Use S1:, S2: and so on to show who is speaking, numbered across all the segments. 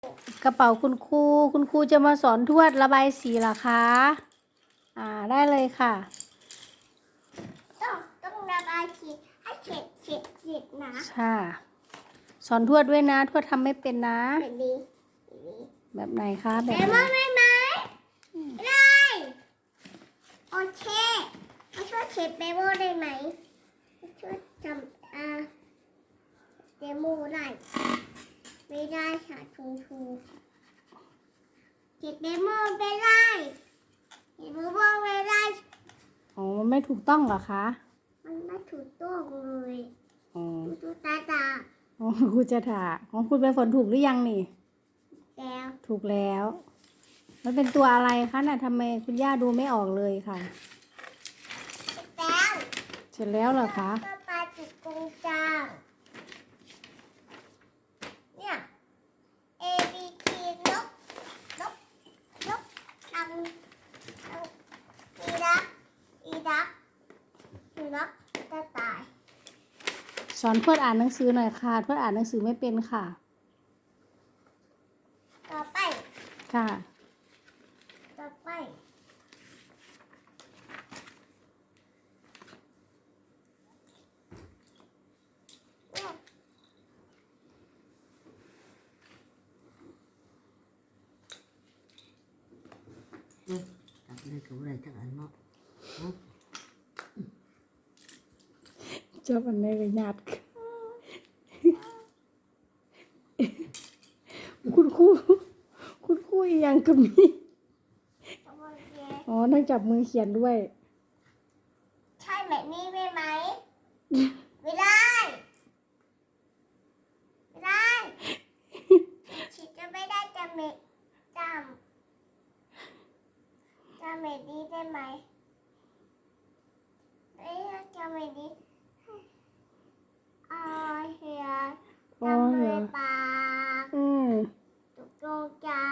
S1: กระเป๋าคุณครูจะมาสอนทวดระบายสีเหรอคะได้เลยค่ะ
S2: ต้องระบายสีให้เสร็จนะ
S1: ค่ะสอนทวดด้วยนะทวดทำไม่เป็นนะ
S2: แบบนี้
S1: แบบไหนคะแบบ
S2: ไหนไม่ได้โอเคมาช่วยเช็ดเบโมได้ไหมช่วยทำเดโมได้ไม่ได้ค่ะชูเช็ดเดโมไม่ได้เดโมไม่ได้
S1: อ๋อไม่ถูกต้องเหรอคะ
S2: มันไม่ถูกต้องเลย
S1: อ๋อ
S2: ดูตา
S1: อ๋อครูจะถามของคุณไปฝนถูกหรือยังนี่
S2: แล้ว
S1: ถูกแล้วมันเป็นตัวอะไรคะน่ะทำไมคุณย่าดูไม่ออกเลยค่ะ
S2: แล้ว
S1: เสร็จแล้วเหรอคะ
S2: ก็ปลาจุดกงจาง เนี่ย A B T นกอังอีดักสุนัขกระต่าย
S1: สอนทวดอ่านหนังสือหน่อยค่ะทวดอ่านหนังสือไม่เป็นค่ะ
S2: ต่อไป
S1: ค่ะ
S2: ต่อไปเนี่ย
S3: ตัดเลยกับอะไรจังอันเนาะ
S1: ชอบอันไหนเลยญาติคุณครูอีกอย่างก็มีอ๋อนั่งจับมือเขียนด้วย
S2: ใช่แบบนี้ได้ไหม ไม่ได้ ไม่ได้ฉีดจะไม่ได้จำเมดีได้ไหมจำเมดีเฮียทำเลยปากตุกโจจาน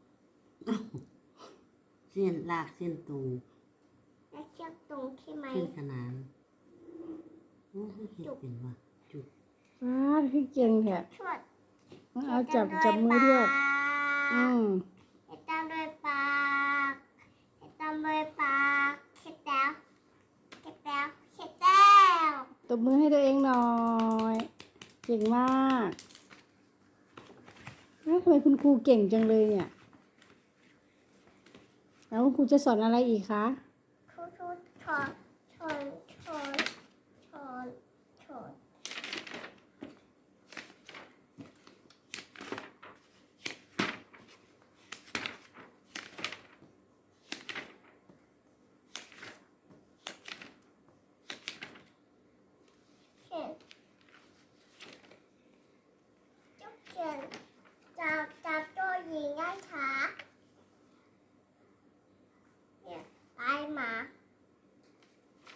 S3: เส้นลากเส้นตรง
S2: และเชือกตรงใช่ไหม
S3: เส้นขนานโอ้ยเห็ดเป็นว่ะจุด
S1: พี่เก่งแท้
S2: ชวด
S1: เอาจับมือด้วย
S2: ให้ตามด้วยปากให้ตามด้วยปากเสร็จแล้ว
S1: ตบมือให้ตัวเองหน่อย เก่งมากทำไมคุณครูเก่งจังเลยเนี่ยแล้วคุณครูจะสอนอะไรอีกคะ
S2: ครูสอน